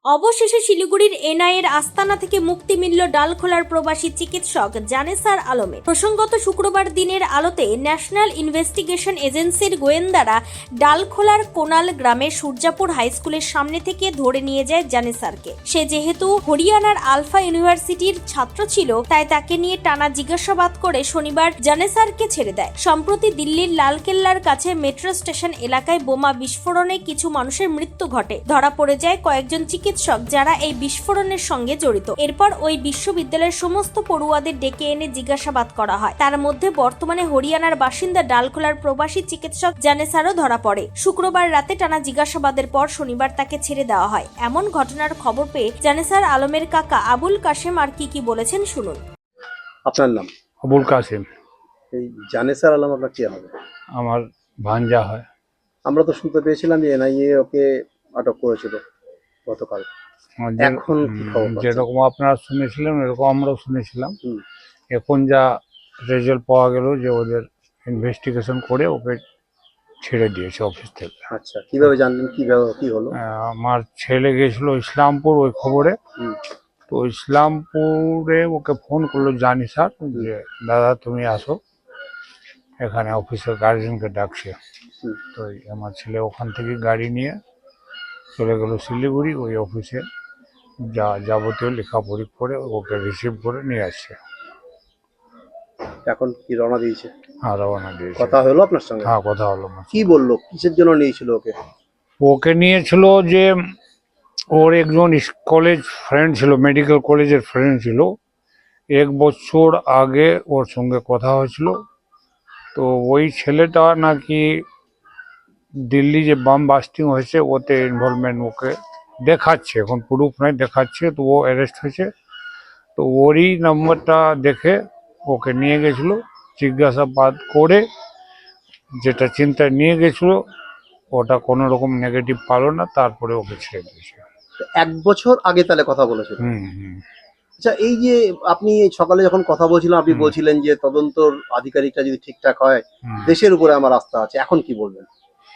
অবশেষে শিলিগুড়ির এনআইএর আস্তানা থেকে মুক্তি মিলল ডালখোলার প্রবাসী চিকিৎসক জানেসার আলমের। প্রসঙ্গত শুক্রবার দিনের আলোতে ন্যাশনাল ইনভেস্টিগেশন এজেন্সির গোয়েন্দারা ডালখোলার কোনাল গ্রামের সূর্যাপুর হাই স্কুলের সামনে থেকে ধরে নিয়ে যায় জানেসারকে। সে যেহেতু হরিয়ানার আলফা ইউনিভার্সিটির ছাত্র ছিল, তাই তাকে নিয়ে টানা জিজ্ঞাসাবাদ করে শনিবার জানেসারকে ছেড়ে দেয়। সম্প্রতি দিল্লির লালকেল্লার কাছে মেট্রো স্টেশন এলাকায় বোমা বিস্ফোরণে কিছু মানুষের মৃত্যু ঘটে। ধরা পড়ে যায় কয়েকজন চিকিৎসক যারা এই বিস্ফোরণের সঙ্গে জড়িত। এরপর ওই বিশ্ববিদ্যালয়ের সমস্ত পড়ুয়াদের ডেকে এনে জিজ্ঞাসাবাদ করা হয়। তার মধ্যে বর্তমানে হরিয়ানার বাসিন্দা ডালখোলার প্রবাসী চিকিৎসক জানেসারও ধরা পড়ে। শুক্রবার রাতে টানা জিজ্ঞাসাবাদের পর শনিবার তাকে ছেড়ে দেওয়া হয়। এমন ঘটনার খবর পেয়ে জানেসার আলমের কাকা আবুল কাশেম আর কি বলেছেন শুনুন। আপনার নাম? আবুল কাসেম। এই জানেসার আলম আপনার কি হবে? আমার ভাঞ্জা হয়। আমরা তো শুনতে পেয়েছিলাম যে এনআইএ ওকে আটক করেছিল গতকাল। এখন কি খবর? যেরকম আপনারা শুনেছিলেন এরকম আমরাও শুনেছিলাম। এখন যা রেজাল্ট পাওয়া গেল যে ওদের ইনভেস্টিগেশন করে ওকে ছেড়ে দিয়েছে অফিস থেকে। আচ্ছা, কিভাবে জানলেন? কিভাবে কি হলো? আমার ছেলে গেছিল ইসলামপুর ওই খবরে। তো ইসলামপুরে ওকে ফোন করলো জানি স্যার যে দাদা তুমি আসো, এখানে অফিসের গার্জেনকে ডাকছে। তো আমার ছেলে ওখান থেকে গাড়ি নিয়ে চলে গেল শিলিগুড়ি, ওই অফিসে যা যাবতীয় লেখাপড়ি করে ওকে রিসিভ করে নিয়ে আসছে। এখন কি রওনা দিয়েছে? হ্যাঁ, রওনা দিয়েছে। কথা হলো আপনার সঙ্গে? হ্যাঁ, কথা হলো। কি বললো? কিসের জন্য নিয়েছিল ওকে? ওকে নিয়েছিল যে ওর একজন কলেজ ফ্রেন্ড ছিল, মেডিকেল কলেজের ফ্রেন্ড ছিল। 1 বছর আগে ওর সঙ্গে কথা হয়েছিল। তো ওই ছেলেটা নাকি দিল্লি যে বাম বাস্টিং হয়েছে ওতে ইনভলভমেন্ট ওকে দেখাচ্ছে, এখন প্রুফ নাই দেখাচ্ছে। তো ও অ্যারেস্ট হয়েছে। তো ওরই নাম্বারটা দেখে ওকে নিয়ে গেছিল, জিজ্ঞাসাবাদ করে যেটা চিন্তায় নিয়ে গেছিল ওটা কোনো রকম নেগেটিভ পালো না, তারপরে ওকে ছেড়ে দিয়েছে। 1 বছর আগে তাহলে কথা বলেছিল? আচ্ছা, এই যে আপনি সকালে যখন কথা বলছিলাম আপনি বলছিলেন যে তদন্তর আধিকারিকটা যদি ঠিকঠাক হয় দেশের উপরে আমার আস্থা আছে, এখন কি বলবেন?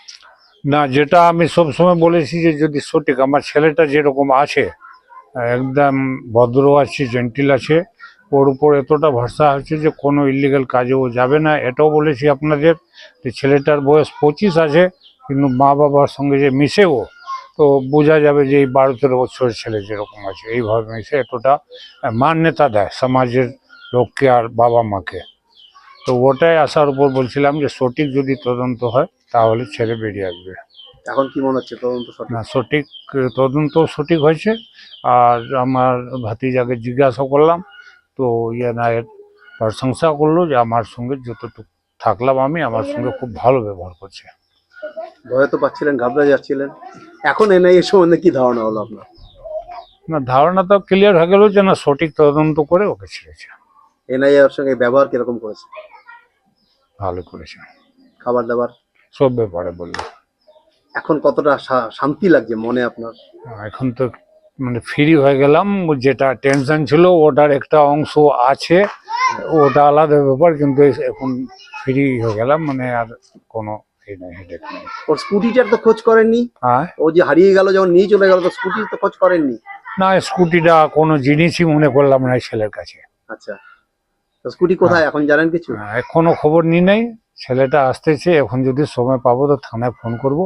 না, যেটা আমি সবসময় বলেছি যে যদি সঠিক, আমার ছেলেটা যেরকম আছে একদম ভদ্র আছে, জেন্টিল আছে, ওর উপর এতটা ভরসা আছে যে কোনো ইলিগাল কাজে ও যাবে না। এটাও বলেছি আপনাদের যে ছেলেটার বয়স 25 আছে, কিন্তু মা বাবার সঙ্গে যে মিশে ও, তো বোঝা যাবে যে এই 12-13 বছরের ছেলে যেরকম আছে এইভাবে মিশে এতটা মান্যতা দেয় সমাজের লোককে আর বাবা মাকে। তো ওটাই আসার উপর বলছিলাম যে সঠিক যদি তদন্ত হয় তাহলে ছেলে বেরিয়ে আসবে। এখন কি মনে হচ্ছে তদন্ত সঠিক? না, সঠিক তদন্ত সঠিক হয়েছে। আর আমার ভাতিজাকে জিজ্ঞাসা করলাম, তো এর প্রশংসা করলো যে আমার সঙ্গে যতটুকু থাকলাম আমি, আমার সঙ্গে খুব ভালো ব্যবহার করছে। ভয় তো পাচ্ছিলেন, ঘাবড়ে যাচ্ছিলেন, এখন এনআইএ সম্বন্ধে কি ধারণা হলো আপনার? না, ধারণা তো ক্লিয়ার হয়ে গেল যে না, সঠিক তদন্ত করে ওকে ছেড়েছে। এনআইএ এর সঙ্গে ব্যবহার কিরকম করেছে? ভালো করেছে, খাবার দাবার সব ব্যাপারে বললো। এখন কতটা শান্তি লাগছে মনে আপনার? এখন তো মানে ফ্রি হয়ে গেলাম, যেটা টেনশন ছিল ওটার একটা অংশ আছে, ওটা আলাদা ব্যাপার, কিন্তু এখন ফ্রি হয়ে গেলাম, মানে আর কোনো হেডেক নেই। ওর স্কুটিটার তো খোঁজ করেননি? হ্যাঁ, ও যে হারিয়ে গেল যখন নিয়ে চলে গেল, তো স্কুটির তো খোঁজ করেননি? না, স্কুটিটা কোনো জিনিসই মনে করলাম না ছেলের কাছে। আচ্ছা, তো স্কুটি কোথায় এখন জানেন কিছু? এখনো খবর নি নাই, ছেলেটা আসতেছে, এখন যদি সময় পাবো তো থানায় ফোন করবো।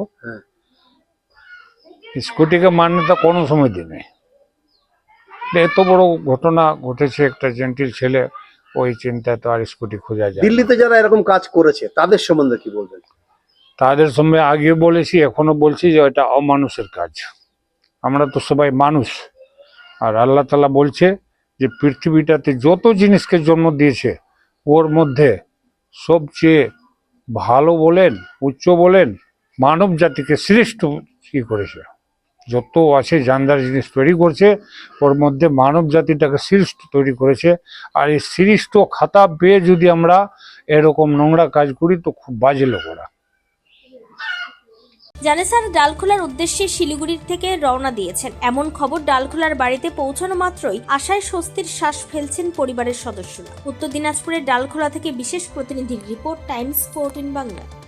স্কুটিকে মান্যতা কোনো সময় দিনে। এত বড় ঘটনা ঘটেছে, একটা জেন্টিল ছেলে, ওই চিন্তায় তো আর স্কুটি খোঁজা যায়। দিল্লিতে যারা এরকম কাজ করেছে তাদের সম্বন্ধে কি বলবেন? তাদের সঙ্গে আগে বলেছি, এখনো বলছি যে এটা অমানুষের কাজ। আমরা তো সবাই মানুষ, আর আল্লাহ তাআলা বলছে যে পৃথিবীটাতে যত জিনিসকে জন্ম দিয়েছে ওর মধ্যে সবচেয়ে ভালো বলেন, উচ্চ বলেন, মানব জাতিকে শ্রেষ্ঠ কি করেছে। যত আছে জানদার জিনিস তৈরি করছে, ওর মধ্যে মানব জাতিটাকে শ্রেষ্ঠ তৈরি করেছে। আর এই শ্রেষ্ঠ খাতা পেয়ে যদি আমরা এরকম নোংরা কাজ করি তো খুব বাজে লোক ওরা। জানেসার ডালখোলার উদ্দেশ্যে শিলিগুড়ির থেকে রওনা দিয়েছেন। এমন খবর ডালখোলার বাড়িতে পৌঁছানো মাত্রই আশায় স্বস্তির শ্বাস ফেলছেন পরিবারের সদস্যরা। উত্তর দিনাজপুরের ডালখোলা থেকে বিশেষ প্রতিনিধির রিপোর্ট, টাইমস 14 বাংলা।